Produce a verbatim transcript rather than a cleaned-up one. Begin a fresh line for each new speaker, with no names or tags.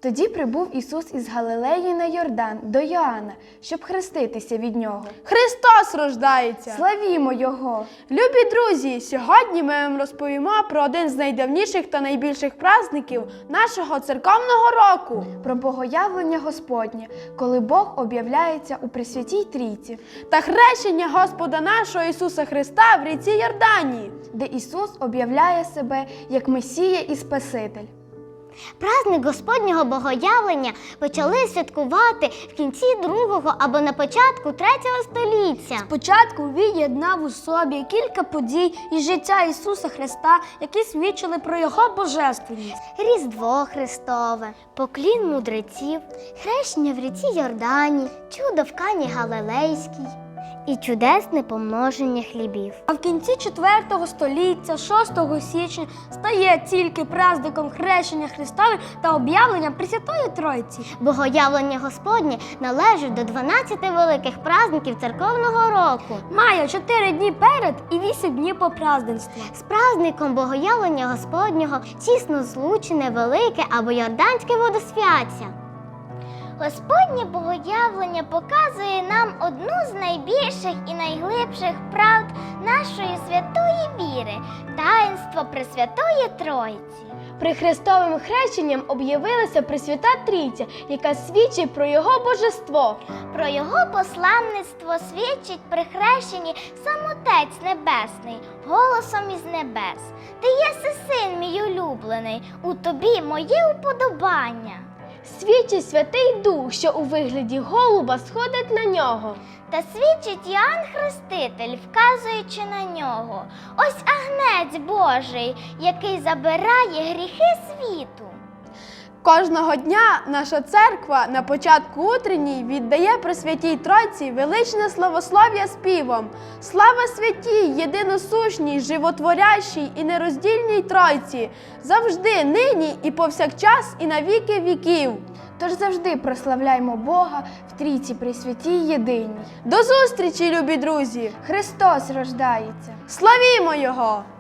Тоді прибув Ісус із Галилеї на Йордан до Йоанна, щоб хреститися від нього.
Христос рождається!
Славімо Його!
Любі друзі, сьогодні ми вам розповімо про один з найдавніших та найбільших праздників нашого церковного року.
Про Богоявлення Господнє, коли Бог об'являється у Пресвятій Трійці.
Та хрещення Господа нашого Ісуса Христа в ріці Йордані,
де Ісус об'являє себе як Месія і Спаситель.
Праздник Господнього Богоявлення почали святкувати в кінці другого або на початку третього століття.
Спочатку він єднав у собі кілька подій із життя Ісуса Христа, які свідчили про Його божественність.
Різдво Христове, поклін мудреців, хрещення в ріці Йордані, чудо в Кані Галилейській і чудесне помноження хлібів.
А в кінці четвертого століття, шостого січня, стає тільки праздником хрещення Христове та об'явлення Пресвятої Тройці.
Богоявлення Господнє належить до дванадцяти великих праздників церковного року.
Має чотири дні перед і вісім днів по праздненству.
З праздником Богоявлення Господнього тісно злучене велике або Йорданське водосвяття. Господнє Богоявлення показує нам одну з найбільших і найглибших правд нашої святої віри – таїнство Пресвятої Тройці.
При Христовим хрещенням об'явилася Пресвята Трійця, яка свідчить про Його божество.
Про Його посланництво свідчить при хрещенні сам Отець Небесний, голосом із небес. Ти єси син мій улюблений, у тобі моє уподобання.
Свідчить Святий Дух, що у вигляді голуба сходить на нього.
Та свідчить Іоанн Хреститель, вказуючи на нього. Ось агнець Божий, який забирає гріхи світу.
Кожного дня наша церква на початку утренній віддає Пресвятій Тройці величне славослов'я співом. Слава святій, єдиносушній, животворящій і нероздільній Тройці, завжди, нині і повсякчас, і на віки віків.
Тож завжди прославляймо Бога в Трійці Пресвятій Єдиній.
До зустрічі, любі друзі!
Христос рождається!
Славімо Його!